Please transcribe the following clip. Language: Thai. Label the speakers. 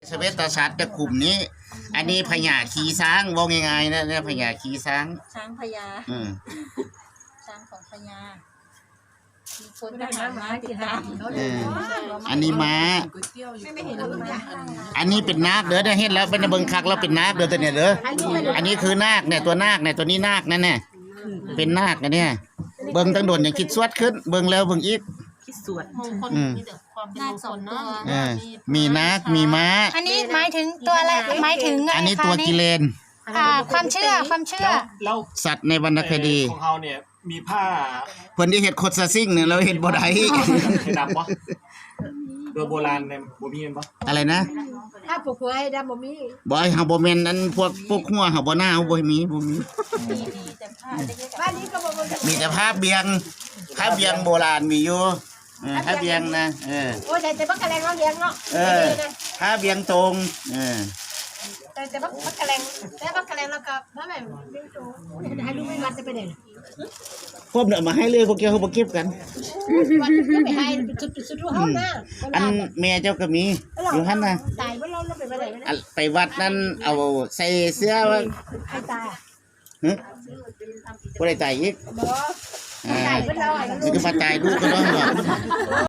Speaker 1: สเวตสัตว์จะกลุ่มนี้ อันนี้พญาขี่ช้างว่าง่ายๆนะเนี่ยพญาขี่ช้าง
Speaker 2: ช้างพญาช้างของพญามีคนทหารม้าติดตาม
Speaker 1: อันนี้ม้าอันนี้เป็นนาคเด้อได้เห็นแล้วเป็นเบิ่งคักแล้วเป็นนาคเด้อตัวเนี่ยเด้ออันนี้คือนาคเนี่ยตัวนาคเนี่ยตัวนี้นาคนั่นเนี่ยเป็นนาคนะเนี่ยเบิ่งตั้งโดนอย่างคิดสวดขึ้นเบิ่งแล้วเบิ่งอีก
Speaker 3: คิดสวด
Speaker 2: มงคลมีแต่ความเป็นมงคลเนาะ
Speaker 1: มีนาคมีม้า
Speaker 4: อันนี้หมายถึงตัวอะไรหมายถึง
Speaker 1: อันนี้ตัวกิเลน
Speaker 4: ความเชื่อ
Speaker 5: แล้ว
Speaker 1: สัตว์ในวรรณคดี
Speaker 5: ของเขาเนี่ยมีผ้า
Speaker 1: เพิ่นที่เฮ็ดโคตรซะซิ่งเนี่ยเราเฮ็ดบ่ได้
Speaker 5: ให้ดำปะโดยโบราณเนี่ยบ่มีปะ
Speaker 1: อะไรนะ
Speaker 3: ถ้าปลูกหัวให้ดำบ่มี
Speaker 1: บ่เฮาบ่แม่นอันพวกหัวเฮาบ่หน้าเฮาบ่มี
Speaker 3: บ้านนี้ก็บ่
Speaker 1: มีแต่ผ้าเบียงโบราณมีอยู่ผ้าเบียงนะ
Speaker 3: โอ้แต่บักกะแลงเราเลี้ยงเนาะ
Speaker 1: ผ้าเบียงตรง
Speaker 3: แต่บักกะแลงแล้วก็พ่อแม่เลี้ยงโตให้ลูกไม่วัดจะไปไหน
Speaker 1: พวกเนี่ยมาให้เลยพวกเกี่ยวเขาบ่เก็บกัน
Speaker 3: วัดก็ไปให้สุดๆเฮานะ
Speaker 1: อันแม่เจ้าก็มีอยู่หั่นน่ะ
Speaker 3: ตายบ่เราไปไหน
Speaker 1: ไปวัดนั้นเอาใส่เสื้อว่า
Speaker 3: ให้ตาย
Speaker 1: บ่ได้ตายอีก
Speaker 3: บ่ตายเพิ่นเรา
Speaker 1: สิคือว่าตายดูก็ต้องบอก